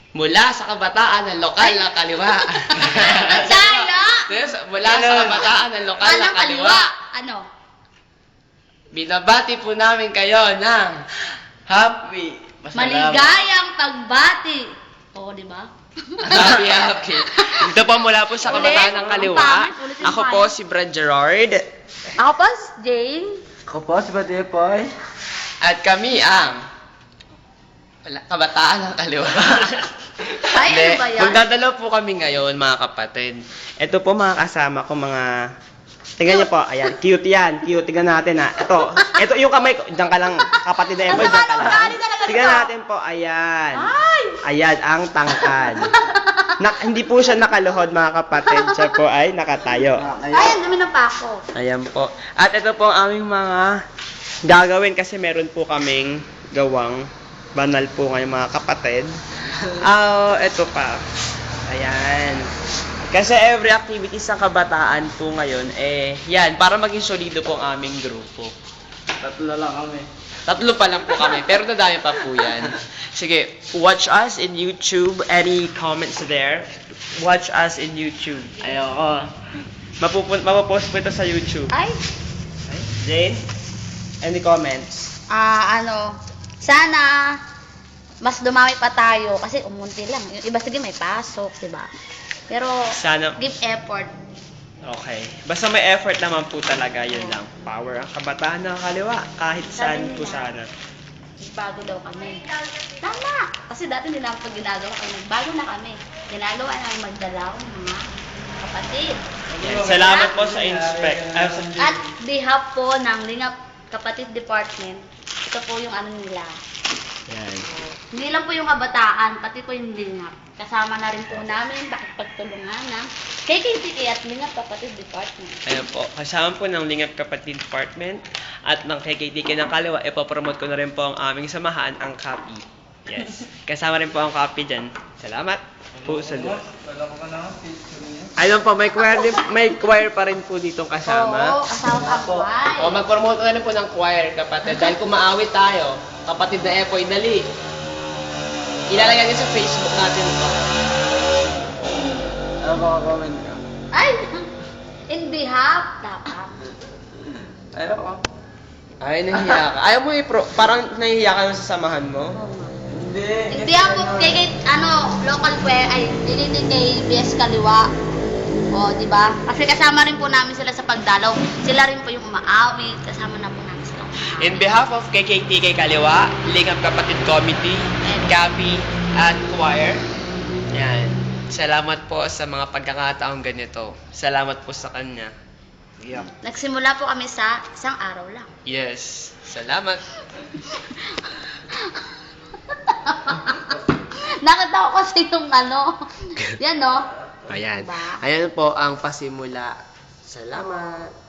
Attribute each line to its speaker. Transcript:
Speaker 1: Mula sa kabataan ng lokal na kaliwa.
Speaker 2: Tayo!
Speaker 1: Mula sa kabataan ng lokal na kaliwa.
Speaker 2: Ano?
Speaker 1: Binabati po namin kayo ng happy,
Speaker 2: Maligayang pagbati. Oo, di ba?
Speaker 1: happy. Ito po mula po sa kabataan ng kaliwa.
Speaker 2: Ulitin
Speaker 1: Ako
Speaker 2: tayo.
Speaker 1: po si Brad Gerard.
Speaker 2: Ako pa, Jane.
Speaker 3: Ako po si Badepoy.
Speaker 1: At kami ang kabataan ng kaliwa.
Speaker 2: Ay, ano ba yan?
Speaker 1: Magdadalaw po kami ngayon, mga kapatid. Ito po mga kasama ko, mga... Tingnan niyo po, ayan, cute yan. Cute, tingnan natin ha. Ito yung kamay ko. Diyan ka lang, kapatid na Epoy, diyan ka lang. Tingnan natin po, ayan. Ayan, ang tangkad. Hindi po siya nakaluhod, mga kapatid. Siya po ay nakatayo.
Speaker 2: Ay, ang dami ng pako.
Speaker 1: Ayan po. At ito po ang aming mga gagawin kasi meron po kaming gawang banal po ngayon, mga kapatid. Ito pa. Ayan. Kasi every activity sa kabataan po ngayon, yan, para maging solido po ang aming grupo.
Speaker 3: Tatlo lang kami.
Speaker 1: Tatlo pa lang po kami, pero nadami pa po yan. Sige, watch us in YouTube. Any comments there? Watch us in YouTube. Ayoko. Mapopost po ito sa YouTube.
Speaker 2: Ay,
Speaker 1: Jane? Any comments?
Speaker 2: sana mas dumami pa tayo kasi umunti lang. Yung iba sige may pasok, di ba? Pero
Speaker 1: Sana-
Speaker 2: give effort.
Speaker 1: Okay. Basta may effort naman po talaga, yun lang. Power ang kabataan ng kaliwa, kahit saan po sana.
Speaker 2: Bago daw kami. Tama! Kasi dati hindi namin pag ginagawa kami. Bago na kami. Ginagawa namin magdalaw ng mga kapatid.
Speaker 1: Yan. Salamat po sa inspect.
Speaker 2: At behalf po ng Lingap Kapatid Department, ito po yung ano nila.
Speaker 1: Yan.
Speaker 2: Hindi lang po yung kabataan, pati po yung Lingap. Kasama na rin po namin pagtulungan ng KKTK at Lingap Kapatid Department.
Speaker 1: Ayan po. Kasama po ng Lingap Kapatid Department at ng KKTK ng Kaliwa, ipopromote ko na rin po ang aming samahan, ang CAPI. Yes. Kasama rin po ang CAPI dyan. Salamat po sa Diyos.
Speaker 3: Wala ko na ng picture niya.
Speaker 1: Ayun po, may choir pa rin po ditong
Speaker 2: Oo,
Speaker 1: kasama.
Speaker 2: kasama ang buhay.
Speaker 1: O, mag-promote na rin po ng choir, kapatid. Dahil kung maawit tayo, kapatid na Epoy, dali. Ilalagay niyo sa Facebook natin ito.
Speaker 3: Ano ba comment ka?
Speaker 2: Ay! In behalf, dapat.
Speaker 3: Ayoko.
Speaker 1: Ay, nahihiya ka. Ayaw mo parang nahihiya ka sa samahan mo?
Speaker 3: Hindi.
Speaker 2: In behalf of local choir, hindi kay BS Kaliwa. O, di ba? Kasi kasama rin po namin sila sa pagdalaw. Sila rin po yung umaawit. Kasama na po namin sila umaawit.
Speaker 1: In behalf of KKTK Kaliwa, Lingap Kapatid Committee, CAPI, at choir, yan. Salamat po sa mga pagkakataong ganito. Salamat po sa kanya.
Speaker 2: Nagsimula po kami sa isang araw lang.
Speaker 1: Yes. Salamat.
Speaker 2: Nakita ko kasi yung yan no?
Speaker 1: Ayan.
Speaker 2: Diba?
Speaker 1: Ayan po ang pasimula. Salamat.